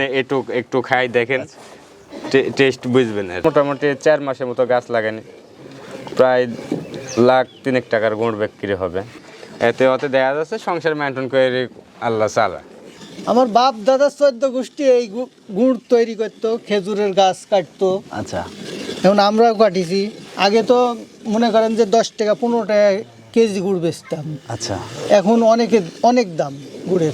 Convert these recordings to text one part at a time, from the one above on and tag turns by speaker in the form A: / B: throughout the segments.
A: একটু একটু খাই দেখেন, টেস্ট বুঝবেন। মোটামুটি 4 মাসের মতো গাছ লাগানি, প্রায় 1,03,000 টাকার গুড় বিক্রি হবে। এতে দেখা যাচ্ছে সংসার মেনটেন করে আল্লাহ চালা।
B: আমার বাপ দাদা 14 গোষ্ঠী এই গুড় তৈরি করতো, খেজুরের গাছ কাটতো।
C: আচ্ছা,
B: এখন আমরাও কাটিছি। আগে তো মনে করেন যে 10 টাকা 15 টাকা কেজি গুড় বেচতাম।
C: আচ্ছা,
B: এখন অনেক দাম গুড়ের।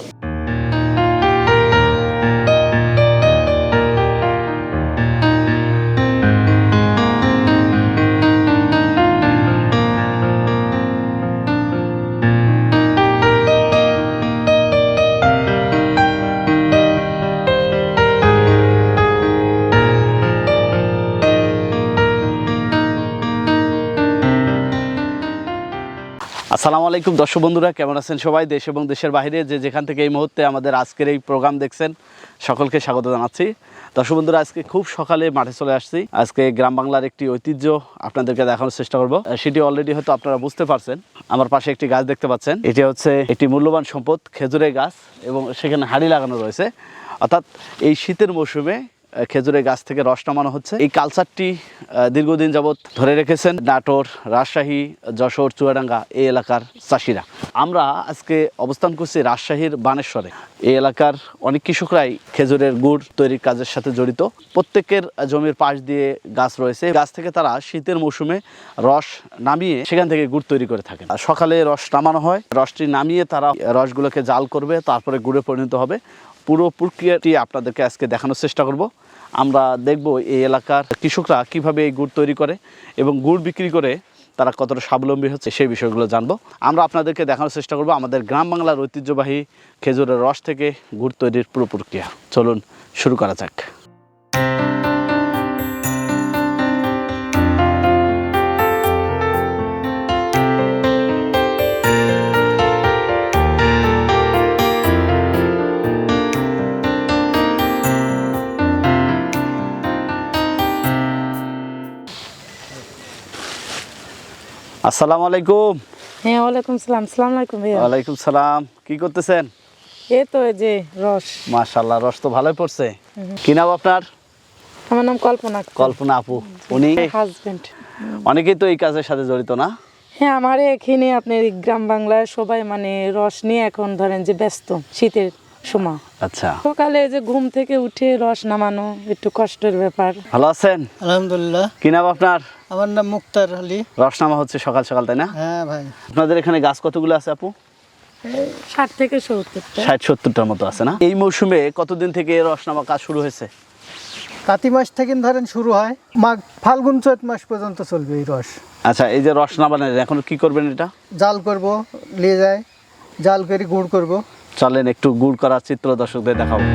C: আসসালামু আলাইকুম দর্শক বন্ধুরা, কেমন আছেন সবাই? দেশ এবং দেশের বাইরে যে যেখান থেকে এই মুহূর্তে আমাদের আজকের এই প্রোগ্রাম দেখছেন, সকলকে স্বাগত জানাচ্ছি। দর্শক বন্ধুরা, আজকে খুব সকালে মাঠে চলে আসছি। আজকে গ্রাম বাংলার একটি ঐতিহ্য আপনাদেরকে দেখানোর চেষ্টা করব। সেটি অলরেডি হয়তো আপনারা বুঝতে পারছেন। আমার পাশে একটি গাছ দেখতে পাচ্ছেন, এটি হচ্ছে একটি মূল্যবান সম্পদ, খেজুরের গাছ, এবং সেখানে হাঁড়ি লাগানো রয়েছে। অর্থাৎ এই শীতের মৌসুমে খেজুরের গাছ থেকে রস নামানো হচ্ছে। এই কালচারটি দীর্ঘদিন যাবৎ ধরে রেখেছেন নাটোর, রাজশাহী, যশোর, চুয়াডাঙ্গা এই এলাকার চাষিরা। আমরা আজকে অবস্থান করছি রাজশাহীর বানেশ্বরে। এই এলাকার অনেক কৃষকরাই খেজুরের গুড় তৈরির কাজের সাথে জড়িত। প্রত্যেকের জমির পাশ দিয়ে গাছ রয়েছে। গাছ থেকে তারা শীতের মৌসুমে রস নামিয়ে সেখান থেকে গুড় তৈরি করে থাকেন। সকালে রস নামানো হয়, রসটি নামিয়ে তারা রসগুলোকে জাল করবে, তারপরে গুড়ে পরিণত হবে। পুরো প্রক্রিয়াটি আপনাদেরকে আজকে দেখানোর চেষ্টা করব। আমরা দেখব এই এলাকার কৃষকরা কিভাবে এই গুড় তৈরি করে এবং গুড় বিক্রি করে তারা কতটা স্বাবলম্বী হচ্ছে সেই বিষয়গুলো জানবো। আমরা আপনাদেরকে দেখানোর চেষ্টা করব আমাদের গ্রাম বাংলার ঐতিহ্যবাহী খেজুরের রস থেকে গুড় তৈরির পুরো প্রক্রিয়া। চলুন শুরু করা যাক। আসসালামু আলাইকুম।
D: হ্যাঁ, ওয়ালাইকুম সালাম। আসসালামু আলাইকুম ভাইয়া।
C: ওয়ালাইকুম সালাম। কি করতেছেন?
D: এই তো এই যে রস।
C: মাশাআল্লাহ, রস তো ভালোই পড়ছে। কি নাম আপনার?
D: আমার নাম কল্পনা।
C: কল্পনা আপু। উনি
D: হাজবেন্ড।
C: অনেকেই তো এই কাজের সাথে জড়িত না?
D: হ্যাঁ, আমার এখানে আপনার গ্রাম বাংলায় সবাই মানে রস নিয়ে এখন ধরেন যে ব্যস্ত শীতের সময়।
C: আচ্ছা,
D: সকালে যে ঘুম থেকে উঠে রস নামানো একটু কষ্টের ব্যাপার।
C: ভালো আছেন?
B: আলহামদুলিল্লাহ।
C: কি নাম আপনার?
B: আমার নাম মুক্তার আলী।
C: রস নামা হচ্ছে সকাল সকাল, তাই না?
B: হ্যাঁ ভাই।
C: আপনাদের এখানে গাছ কতগুলো আছে আপু?
D: 60 থেকে 70টা।
C: 60-70টার মতো আছে না? এই মৌসুমে কতদিন থেকে রস নামা কাজ শুরু হয়েছে?
B: কাতি মাস থেকে ধরেন শুরু হয়, মাঘ ফাল্গুন চৈত মাস পর্যন্ত চলবে এই রস।
C: আচ্ছা, এই যে রস নামানের এখন কি করবেন? এটা
B: জাল করব, নিয়ে যায় জাল করে গুড় করব।
C: চলেন একটু গুড় করার চিত্র দর্শকদের দেখাবো।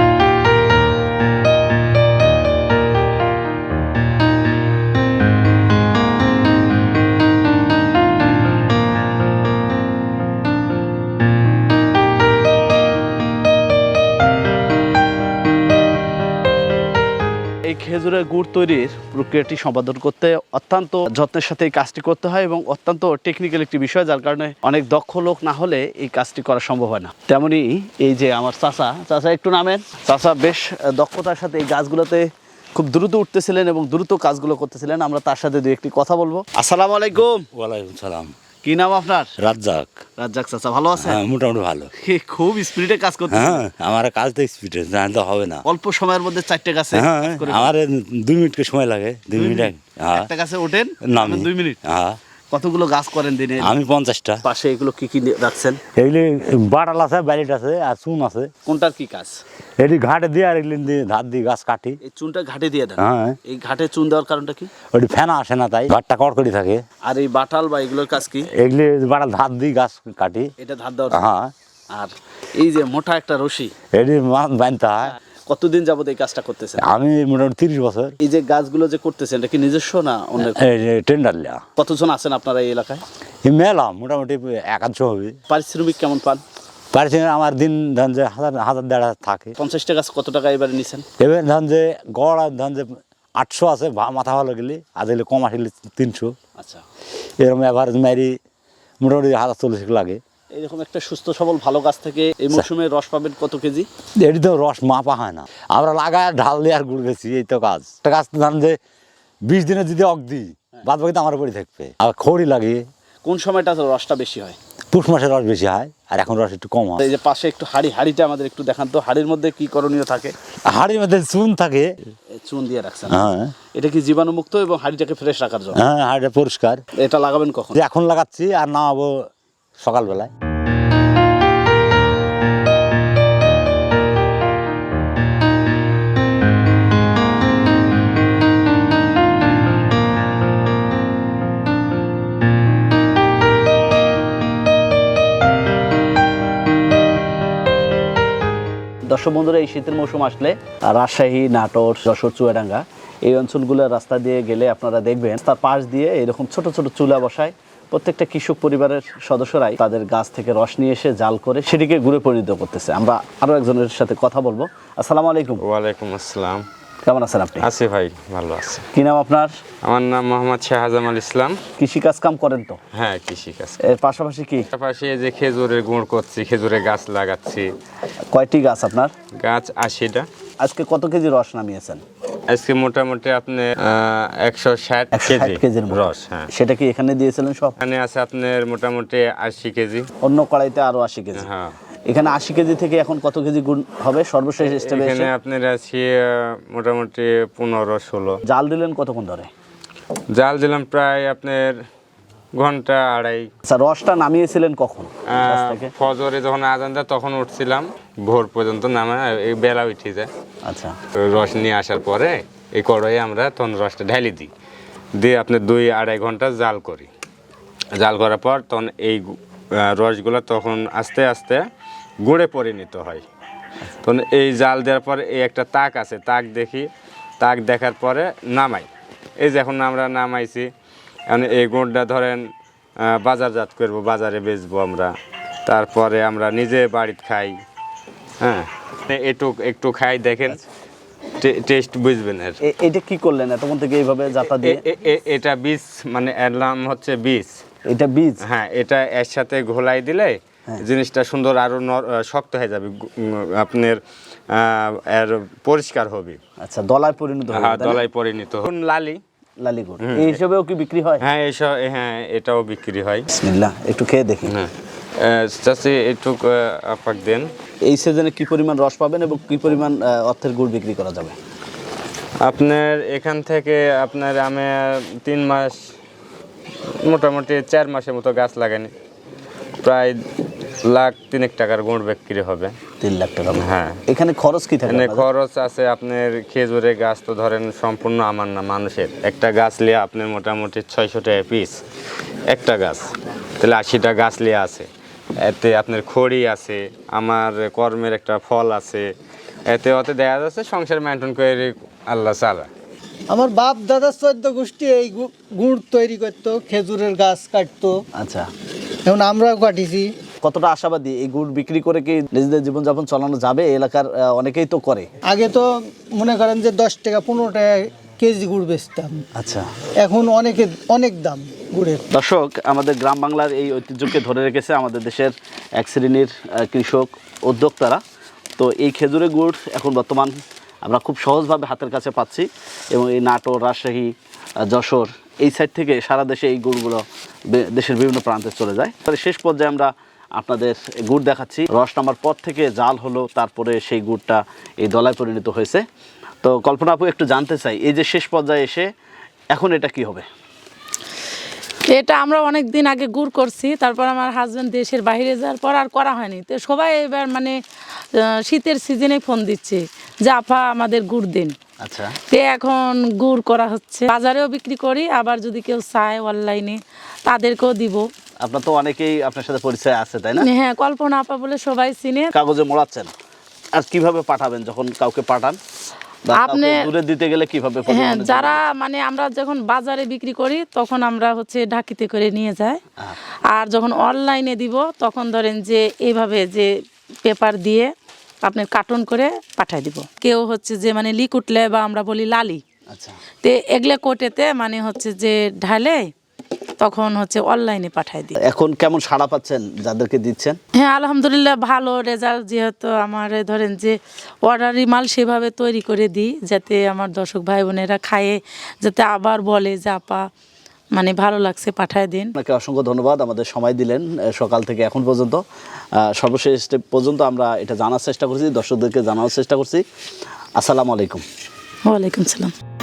C: এই খেজুরের গুড় তৈরির প্রক্রিয়াটি সম্পাদন করতে অত্যন্ত যত্নের সাথে এই কাজটি করতে হয় এবং অত্যন্ত টেকনিক্যাল একটি বিষয়, যার কারণে অনেক দক্ষ লোক না হলে এই কাজটি করা সম্ভব হয় না। তেমনি এই যে আমার চাচা একটু নামেন। চাচা বেশ দক্ষতার সাথে এই গাছগুলোতে খুব দ্রুত উঠতেছিলেন এবং দ্রুত কাজগুলো করতেছিলেন। আমরা তার সাথে দুই একটি কথা বলবো। আসসালামু আলাইকুম।
E: ওয়ালাইকুম সালাম।
C: কি নাম আপনার?
E: রাজ্জাক।
C: রাজ্জাক চাচা, ভালো আছেন?
E: হ্যাঁ, মোটামুটি ভালো।
C: খুব স্পিডে কাজ করতে।
E: হ্যাঁ, আমার কাজ তো স্পিডে, জানলে তো হবে না।
C: অল্প সময়ের মধ্যে 4টে গাছে
E: হ্যাঁ, আমার 2 মিনিট সময় লাগে। 2 মিনিট। হ্যাঁ,
C: একটা গাছে ওঠেন,
E: নামি
C: 2 মিনিট।
E: হ্যাঁ।
C: কতগুলো গাছ করেন দিনে?
E: আমি 50টা।
C: পাশে এগুলো কি কি রাখছেন?
E: এগুলি বাটাল আছে, ব্যালিট আছে, আর চুন আছে।
C: কোনটার কি কাজ?
E: এটি ঘাটে দিয়ে আর এগুলি দিয়ে ধার দিয়ে গাছ কাটি।
C: এই চুনটা ঘাটে দিয়ে দেন?
E: হ্যাঁ।
C: এই ঘাটে চুন দেওয়ার কারণটা কি?
E: ওটি ফেনা আসে না, তাই ঘাটটা কড়কড়ি থাকে।
C: আর এই বাটাল বা এগুলোর কাজ কি?
E: এগুলি বাটাল ধার দিয়ে গাছ কাটি।
C: এটা ধার দেওয়ার?
E: হ্যাঁ।
C: আর এই যে মোটা একটা রশি,
E: এটি বানতে হয়।
C: কতদিন যাবত এই কাজটা করতেছেন?
E: আমি মোটামুটি 30 বছর।
C: এই যে গাছগুলো যে করতেছেন, এটা কি নিজস্ব না অন্য?
E: টেন্ডার লিয়া।
C: কতজন আছেন আপনারা এই এলাকায়?
E: এই মেলা মোটামুটি 100 হবে।
C: পারিশ্রমিক কেমন পান?
E: পারিশ্রমিক আমার দিন ধরেন যে 1000-1500 থাকে।
C: 50টা গাছ কত টাকা এবারে নিছেন?
E: এবার ধরেন যে গড় আর ধরেন যে 800 আছে মাথা ভালো গেলে, আর গেলে কম আসলে 300।
C: আচ্ছা,
E: এরকম এভারেজ মারি মোটামুটি 1040 লাগে।
C: এরকম একটা সুস্থ সবল ভালো গাছ থেকে এই মৌসুমে রস পাবেন কত কেজি?
E: এটি তো রস মাপা হয় না, আমরা লাগায় ঢাল দিয়ে আর গুড় বেশি, এই তো কাজ। একটা গাছ জানেন যে 20 দিনে যদি অক দিই, বাদ বাকি তো আমার উপরই থাকবে। আর খড়ি লাগে।
C: কোন সময়টা রসটা বেশি হয়?
E: পুষ মাসে রস বেশি হয়, আর এখন রস একটু কম হয়।
C: এই যে পাশে একটু হাড়িটা আমাদের একটু দেখান তো, হাড়ির মধ্যে কি করণীয় থাকে?
E: হাড়ির মধ্যে চুন থাকে।
C: চুন দিয়ে রাখছেন?
E: হ্যাঁ।
C: এটা কি জীবাণুমুক্ত এবং হাড়িটাকে ফ্রেশ রাখার জন্য?
E: হ্যাঁ, হাড়িটা পরিষ্কার।
C: এটা লাগাবেন কখন?
E: যে এখন লাগাচ্ছি, আর নামাবো সকালবেলায়।
C: দর্শক বন্ধুরা, এই শীতের মৌসুম আসলে রাজশাহী, নাটোর, যশোর, চুয়াডাঙ্গা এই অঞ্চলগুলোর রাস্তা দিয়ে গেলে আপনারা দেখবেন তার পাশ দিয়ে এরকম ছোট ছোট চুলা বসায় প্রত্যেকটা কৃষক পরিবারের সদস্যরাই তাদের গাছ থেকে রস নিয়ে এসে জাল করে সেটিকে গুড়ে পরিণত করতেছে। আমরা আরো একজনের সাথে কথা বলবো। আসসালামু আলাইকুম।
A: ওয়ালাইকুম আসসালাম।
C: কেমন আছেন আপনি?
A: আছি ভাই, ভালো আছি।
C: কি নাম আপনার?
A: আমার নাম মোহাম্মদ শাহজামাল ইসলাম।
C: কৃষি কাজ কাম করেন তো?
A: হ্যাঁ, কৃষিকাজ।
C: এর পাশাপাশি কি?
A: পাশাপাশি এই যে খেজুরের গুড় করছি, খেজুরের গাছ লাগাচ্ছি।
C: কয়টি গাছ আপনার?
A: গাছ 80টা।
C: আজকে কত কেজি রস নামিয়েছেন?
A: আজকে মোটামুটি আপনি 160
C: 160 কেজির মতো।
A: রস। হ্যাঁ,
C: সেটা কি এখানে দিয়েছিলেন সব?
A: এখানে আছে আপনার মোটামুটি 80 কেজি।
C: অন্য কড়াইতে আরো 80 কেজি।
A: হ্যাঁ,
C: এখানে 80 কেজি থেকে এখন কত কেজি গুড় হবে সর্বশেষ স্টেপে
A: এখানে
C: এসে?
A: আপনার আছে মোটামুটি 15-16।
C: জাল দিলেন কতক্ষণ ধরে?
A: জাল দিলাম প্রায় আপনার ঘন্টা আড়াই।
C: আচ্ছা, রসটা নামিয়েছিলেন কখন গাছ থেকে?
A: ফজরে যখন আজান দেয় তখন উঠছিলাম, ভোর পর্যন্ত নামা এই বেলা উঠে যায়।
C: আচ্ছা,
A: রস নিয়ে আসার পরে এই কড়াইয়ে আমরা তখন রসটা ঢালি দিই, দিয়ে আপনার 2-2.5 ঘন্টা জাল করি। জাল করার পর তখন এই রসগুলো তখন আস্তে আস্তে গুড়ে পরিণত হয়। তখন এই জাল দেওয়ার পরে এই একটা তাক আছে, তাক দেখি, তাক দেখার পরে নামাই। এই যে এখন আমরা নামাইছি, এখন এই গুড়টা ধরেন বাজারজাত করবো, বাজারে বেচবো আমরা, তারপরে আমরা নিজে বাড়িতে খাই। হ্যাঁ, একটু খাই, দেখেন টেস্ট বুঝবেন। আর
C: এটা কি করলেন এতক্ষণ থেকে এইভাবে জাতা দিয়ে?
A: এটা বীজ, মানে এর নাম হচ্ছে বীজ।
C: এটা বীজ?
A: হ্যাঁ, এটা এর সাথে ঘোলাই দিলে জিনিসটা সুন্দর আরো শক্ত হয়ে যাবে, আপনার এর পরিষ্কার হবে।
C: আচ্ছা, দলায় পরিণত হবে?
A: হ্যাঁ, দলায় পরিণত হবে।
C: লালি গুড় এই হিসেবেও কি বিক্রি হয়?
A: হ্যাঁ, এইসব, হ্যাঁ, এটাও বিক্রি হয়।
C: বিসমিল্লাহ, একটু খেয়ে দেখি।
A: হ্যাঁ, চাচি একটু আপাক দেন।
C: এই সিজনে কি পরিমাণ রস পাবেন এবং কি পরিমাণ অর্থের গুড় বিক্রি করা যাবে?
A: আপনার এখান থেকে আপনার আমি 3 মাস, মোটামুটি 4 মাসের মতো গাছ লাগানি, প্রায় 1,03,000 টাকার গুড় বিক্রি হবে।
C: 3 লাখ টাকা?
A: হ্যাঁ।
C: এখানে খরচ কি থাকে?
A: এখানে খরচ আছে আপনার, খেজুরের গাছ তো ধরেন সম্পূর্ণ আমার না, মানুষের। একটা গাছ লিয়ে আপনার মোটামুটি 600 টাকা পিস একটা গাছ, তাহলে 80টা গাছ লিয়ে আছে। এতে আপনার খড়ি আছে, আমার কর্মের একটা ফল আছে, এতে অতে দেখা যাচ্ছে সংসার মেনটেন করে আল্লাহ চালা।
B: আমার বাপ দাদা 14 গোষ্ঠী এই গুড় তৈরি করতো, খেজুরের গাছ কাটতো।
C: আচ্ছা,
B: এখন আমরাও কাটিছি।
C: কতটা আশাবাদী এই গুড় বিক্রি করে কি নিজেদের জীবনযাপন চালানো যাবে? এলাকার অনেকেই তো করে।
B: আগে তো মনে করেন যে 10 টাকা 15 টাকা কেজি গুড় বেচতাম।
C: আচ্ছা,
B: এখন অনেক দাম গুড়ের।
C: দর্শক, আমাদের গ্রাম বাংলার এই ঐতিহ্যকে ধরে রেখেছে আমাদের দেশের এক শ্রেণীর কৃষক উদ্যোক্তারা। তো এই খেজুরের গুড় এখন বর্তমান আমরা খুব সহজভাবে হাতের কাছে পাচ্ছি, এবং এই নাটোর, রাজশাহী, যশোর এই সাইড থেকে সারা দেশে এই গুড়গুলো দেশের বিভিন্ন প্রান্তে চলে যায়। তবে শেষ পর্যায়ে আমরা আপনাদের গুড় দেখাচ্ছি। রস নামার পর থেকে জাল হলো, তারপরে সেই গুড়টা এই দলায় পরিণত হয়েছে। তো কল্পনা আপু, একটু জানতে চাই, এই যে শেষ পর্যায়ে এসে এখন এটা কি হবে?
D: এটা আমরা অনেক দিন আগে গুড় করছি, তারপর আমার হাজব্যান্ড দেশের বাইরে যাওয়ার পর আর করা হয়নি। তো সবাই এবার মানে শীতের সিজনে ফোন দিচ্ছে যে আপা আমাদের গুড় দিন।
C: আচ্ছা,
D: তো এখন গুড় করা হচ্ছে, বাজারেও বিক্রি করি, আবার যদি কেউ চায় অনলাইনে তাদেরকেও দিব।
C: আপনার তো অনেকেই আপনার সাথে পরিচয় আছে, তাই না?
D: হ্যাঁ, কল্পনা আপা বলে সবাই চিনে।
C: কাগজে মোড়াচ্ছেন, আর কিভাবে পাঠাবেন যখন কাউকে পাঠান?
D: আপনি
C: দূরে দিতে গেলে কিভাবে?
D: হ্যাঁ, যারা মানে আমরা যখন বাজারে বিক্রি করি তখন আমরা হচ্ছে ঢাকিতে করে নিয়ে যাই, আর যখন অনলাইনে দিব তখন ধরেন যে এইভাবে যে পেপার দিয়ে আপনার কার্টন করে পাঠাই দিব। কেউ হচ্ছে যে মানে লিকুটলে বা আমরা বলি লালি।
C: আচ্ছা,
D: তে এগুলো কোটেতে মানে হচ্ছে যে ঢালে তখন হচ্ছে অনলাইনে পাঠাই দিই।
C: এখন কেমন সাড়া পাচ্ছেন যাদেরকে দিচ্ছেন?
D: হ্যাঁ আলহামদুলিল্লাহ ভালো রেজাল্ট, যেহেতু আমার ধরেন যে অর্ডারি মাল সেভাবে তৈরি করে দিই যাতে আমার দর্শক ভাই বোনেরা খায়ে যাতে আবার বলে যে আপা মানে ভালো লাগছে, পাঠায় দিন।
C: আপনাকে অসংখ্য ধন্যবাদ, আমাদের সময় দিলেন সকাল থেকে এখন পর্যন্ত। সর্বশেষ স্টেপ পর্যন্ত আমরা এটা জানার চেষ্টা করছি, দর্শকদেরকে জানানোর চেষ্টা করছি। আসসালামু আলাইকুম।
D: ওয়ালাইকুম সালাম।